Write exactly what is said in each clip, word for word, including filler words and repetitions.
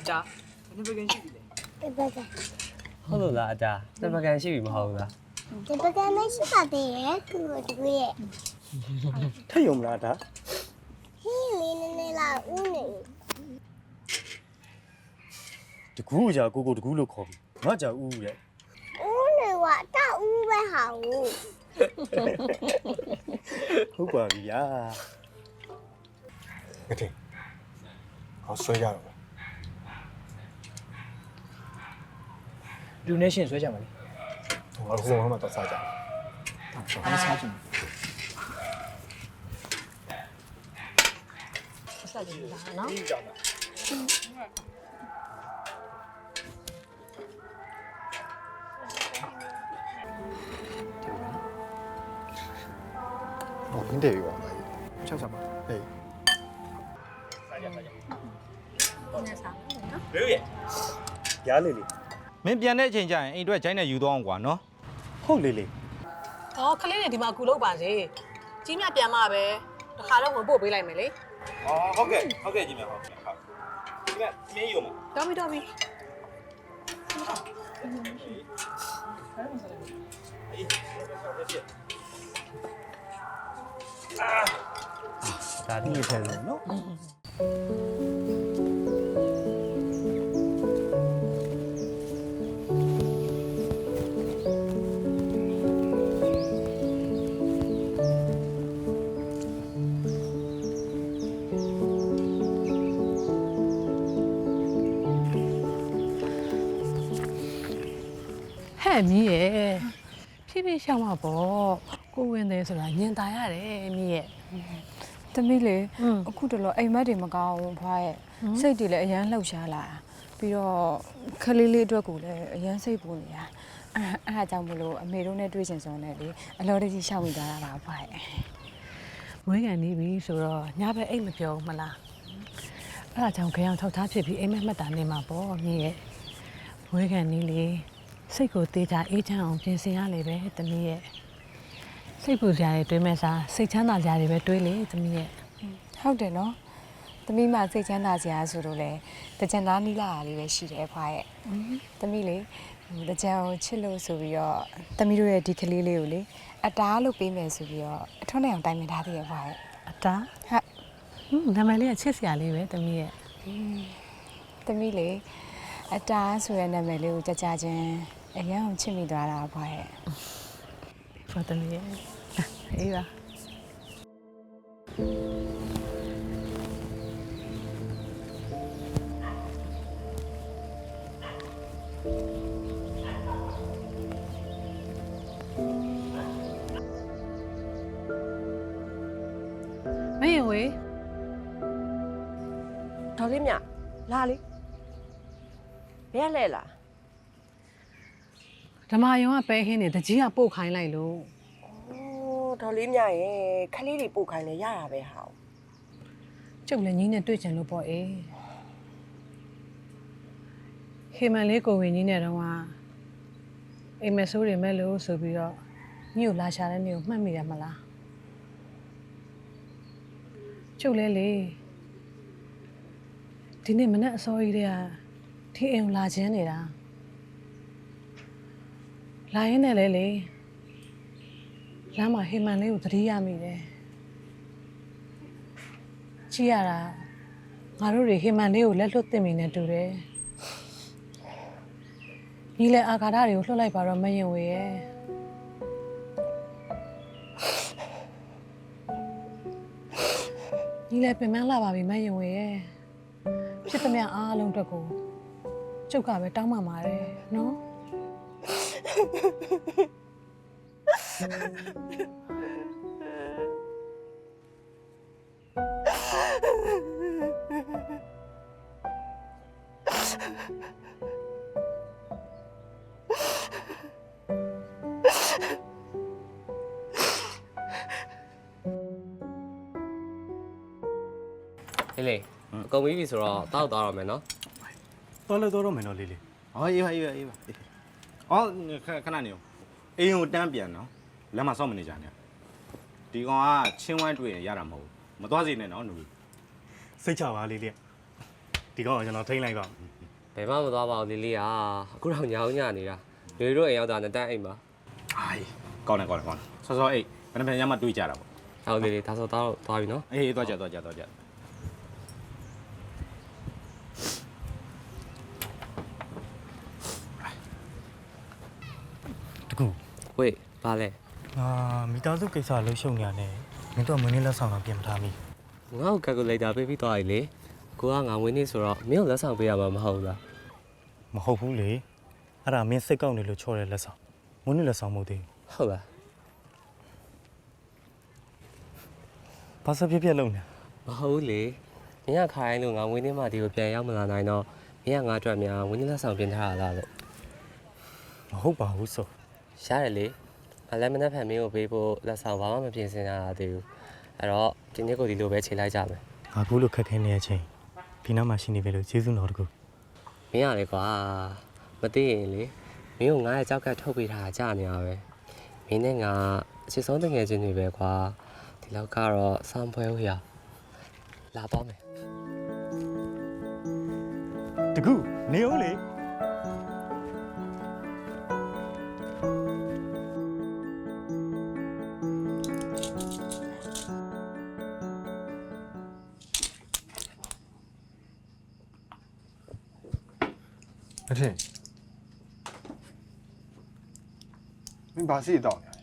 ကြာဘယ်နှပကန်ရှိပြီလဲဒီပကံဟုတ်လို့လားအတာတစ်ပကန်ရှိပြီမဟုတ်ဘူးလားဒီပကံမရှိပါသေးရဲ့ကူတူရဲ့ထက်ယုံမလားဒါဟင်းလေးနည်းနည်းလာဦးနေတကူကြာကိုကိုတကူလို့ခေါ်ပြီငါကြာဦးတဲ့ဦးနေဝတဦးပဲဟာဦးဟုတ်ပါပြီဗျာမထင်ဟောဆွဲကြတော့လူနဲ့ရှင်ဆွဲကြပါလေငါတို့ကတော့မှတော့စားကြတယ်အားစားကြည့်စားကြည့်လားနော်ဟောခင်းတယ်ပြီပါလားချက်စားပါဟေးရားလေးလေးမင်းပြန်တဲ့အချိန်ကျရင်အိမ်အတွက်ဂျိုင်းနဲ့ယူသွားအောင်ကွာနော်ဟုတ်လေးလေး။အော်ကလေးတွေဒီမှာကူလုပ်ပါစေ။ကြီးမြပြန်မှပဲတခါတော့ဝင်ပို့ပေးလိုက်မယ်လေอ๋อဟုတ်ကဲ့ဟုတ်ကဲ့ကြီးမြဟုတ်ကဲ့ဟုတ်ကြီးမြမင်းယူမ။တော်ပြီတော်ပြီဒါဒီထဲလို့နော်ဟဲ့မီးရဲ့ဖြည်းဖြည်းရှောင်းမှာပေါ့ကိုဝင်တယ်ဆိုတာညင်တာရတယ်မီးရဲ့သမီးလေอืมအခုတလောအိမ်မက်တွေမကောင်းဘူးဖွားရဲ့စိတ်တွေလည်းအရန်လှုပ်ရှားလာတာပြီးတော့ခလေးလေးအတွက်ကိုလည်းအရန်စိတ်ပူနေတာအဲ့အဲ့ဒါကြောင့်မလို့အမေတို့နဲ့တွေ့ချင်စုံနဲ့လေအလော်တကြီးရှောက်မိသွားတာပါဖွားရဲ့မွေးကန်နေပြီဆိုတော့ညဘက်အိတ်မပြောဘူးမလားအဲ့ဒါကြောင့်ခရောင်ထောက်ထားဖြစ်ပြီးအိမ်မက်မှတ်တာနေမှာပေါ့မီးရဲ့မွေးကန်နေလေစိတ်ကိုတေးချအေးချမ်းအောင်ပြင်ဆင်ရလေပဲသမီးရဲ့စိတ်ပူစရာတွေတွေးမဲ့စားစိတ်ချမ်းသာစရာတွေပဲတွေးလေသမီးရဲ့ဟုတ်တယ်နော်သမီးမစိတ်ချမ်းသာစရာဆိုလို့လေတကြံသားနီးလာတာလေးပဲရှိတယ်ဖွားရဲ့သမီးလေတကြံကိုချစ်လို့ဆိုပြီးတော့သမီးတို့ရဲ့ဒီကလေးလေးကိုလေအတားလို့ပေးမယ်ဆိုပြီးတော့အထွန်းနဲ့အောင်တိုင်ပင်ထားသေးရဲ့ဖွားရဲ့အတားဟုတ်ဟွန်းနာမည်လေးကချစ်စရာလေးပဲသမီးရဲ့သမီးလေအတားဆိုတဲ့နာမည်လေးကိုကြကြချင်းအရန်အောင်ချစ်မိသွားတာဖွားရဲ့ဖော်သမီးရဲ့အေးပါ မင်းဝေးဒေါ်လေးမြလာလေဘယ်ရလဲလားဓမ္မယုံကပဲဟင်းနေတကြီးကပို့ခိုင်းလိုက်လို့အိုးဒေါ်လေးမြရဲ့ခလေးတွေပို့ခိုင်းလဲရတာပဲဟာကျုပ်လည်းညီနဲ့တွေ့ချင်လို့ပေါ့အေးဟေမန်လေးကိုဝင်ကြီးနဲ့တော့ကအိမ်မဆိုးတွေမဲ့လို့ဆိုပြီးတော့ညီကိုလာရှာတဲ့နေ့ကိုမှတ်မိတယ်မလားကျုပ်လည်းလေဒီနေ့မနေ့အစောကြီးတည်းကဒီအိမ်ကိုလာခြင်းနေတာလာရင်းနဲ့လေလေလမ်းမှာဟေမန်လေးကိုသတိရမိတယ်ကြည့်ရတာငါတို့တွေဟေမန်လေးကိုလက်လွတ်တင်မိနေတူတယ်ညီလည်းအာဃာတတွေကိုလွှတ်လိုက်ပါတော့မရင်ဝေရဲ့ညီလည်းပင်ပန်းလာပါပြီမရင်ဝေရဲ့ဖြစ်သမျှအားလုံးအတွက်ကိုကျုပ်ကပဲတောင်းပန်ပါတယ်နော်ဟေးလေအကုန်ပြီးပြီဆိုတော့တောက်သွားတော့မယ်နော်တော်လို့တော်တော့မယ်နော်လေးလေးဟောအေးပါအေးပါအေးပါအော်ခဏခဏနေအောင်အိမ်ကိုတန်းပြန်နော်လမ်းမှာစောင့်မနေကြနဲ့ဒီကောင်ကချင်းဝိုင်းတွေ့ရင်ရတာမဟုတ်ဘူးမသွားစေနဲ့နော်နူစိတ်ချပါလေးလေးဒီကောင်ကကျွန်တော်ထိန်းလိုက်ပါဟဘယ်မှမသွားပါဘူးလေးလေးอ่ะအခုတော့ညောင်းညနေတာလူတို့အိမ်ရောက်တာနဲ့တန်းအိမ်ပါအိုင်ကောင်းတယ်ကောင်းတယ်ကောင်းတယ်စောစောအေးဘယ်နှပြန်ရမှတွေးကြတာပေါ့ဟုတ်လေးလေးဒါဆိုတော့သွားပြီနော်အေးသွားကြသွားကြသွားကြတကူဝေးပါလဲငါမိသားစုကိစ္စလှုပ်ရှုပ်နေရတယ်မင်းတို့ကမင်းလေးလက်ဆောင်တော့ပြင်မထားမိငါ့ကိုကယ်ကူလေတာပေးပြီးသွားပြီလေကိုကငါဝင်းနေဆိုတော့မင်းကိုလက်ဆောင်ပေးရမှာမဟုတ်ဘူးလားမဟုတ်ဘူးလေအဲ့ဒါမင်းစိတ်ကောက်နေလို့ချော်တဲ့လက်ဆောင်မင်းလေးလက်ဆောင်မဟုတ်သေးဟုတ်လားဘာစဖြစ်ဖြစ်လုံးနေမဟုတ်ဘူးလေမင်းကခိုင်းလို့ငါဝင်းနေမှဒီကိုပြန်ရောက်မလာနိုင်တော့မင်းကငါအတွက်များဝင်းနေလက်ဆောင်ပြင်ထားရလားလို့မဟုတ်ပါဘူးဆိုရတယ်လေငါလည်းမနှက်ဖန်မင်းကိုပေးဖို့လက်ဆောင်ဘာမှမပြင်ဆင်ရသေးဘူးအဲ့တော့ဒီနေ့ကိုဒီလိုပဲချိန်လိုက်ကြမယ်ငါကူလို့ခက်ခဲနေတဲ့အချိန်ဒီနားမှာရှိနေပြီလို့ကျေးဇူးတော်တကူမင်းရလေကွာမသိရင်လေမင်းကိုငါရဲ့ကြောက်ကထုတ်ပေးထားကြနေရပဲမင်းနဲ့ငါအချစ်ဆုံးတငယ်ချင်းတွေပဲကွာဒီလောက်ကတော့စောင်းဖွဲဦးရလာပါမယ်တကူနေဦးလေမထင်မင်းဘာစီတောင်းနေလဲ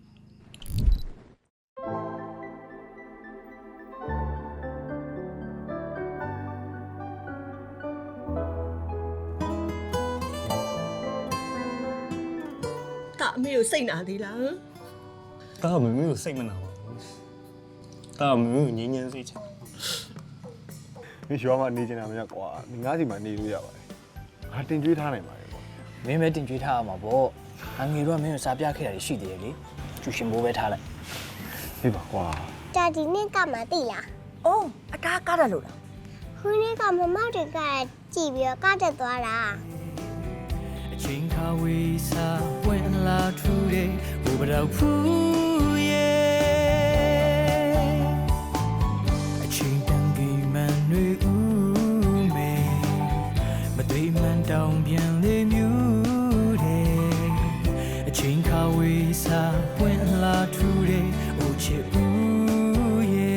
တာအမေကိုစိတ်နာသေးလားတာမမေကိုစိတ်မနာပါဘူးတာမမေကိုငြင်းငြင်းစိတ်ချမင်းရွာမှာနေနေတာမရကွာငါးစီမှာနေလို့ရပါတယ်ငါတင်ကြွေးထားနိုင်ပါတယ်ကွာမင်းပဲတင်ကြွေးထားရမှာပေါ့အငယ်တော့မင်းကိုစားပြခဲ့တာရှိသေးတယ်လေကျူရှင်ဘိုးပဲထားလိုက်ဒီပါကွာဒါဒီနေ့ကမှသိလားအိုးအကားကားတယ်လို့လားခုနေ့ကမမတွေကကြည်ပြီးတော့ကတက်သွားတာအချိန်ခါဝေးစားဝင်လာထူတဲ့ဘိုးဘတော်ဖူးရဲ့အချိန်တန်ကြီးမှန်တွေဦးမေမသိမှန်တောင်ပြန်လေမြူတဲ့အချိန်ခါဝေးစားဝင်လာထူတဲ့အိုချစ်ဦးရဲ့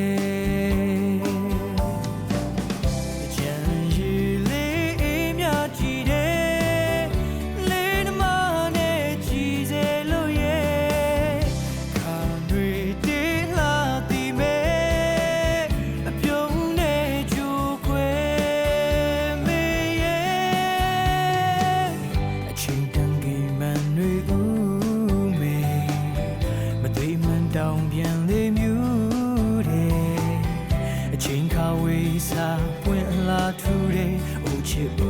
အချိန်ခါဝေးစားပွင့်လာထူတဲ့အိုချစ်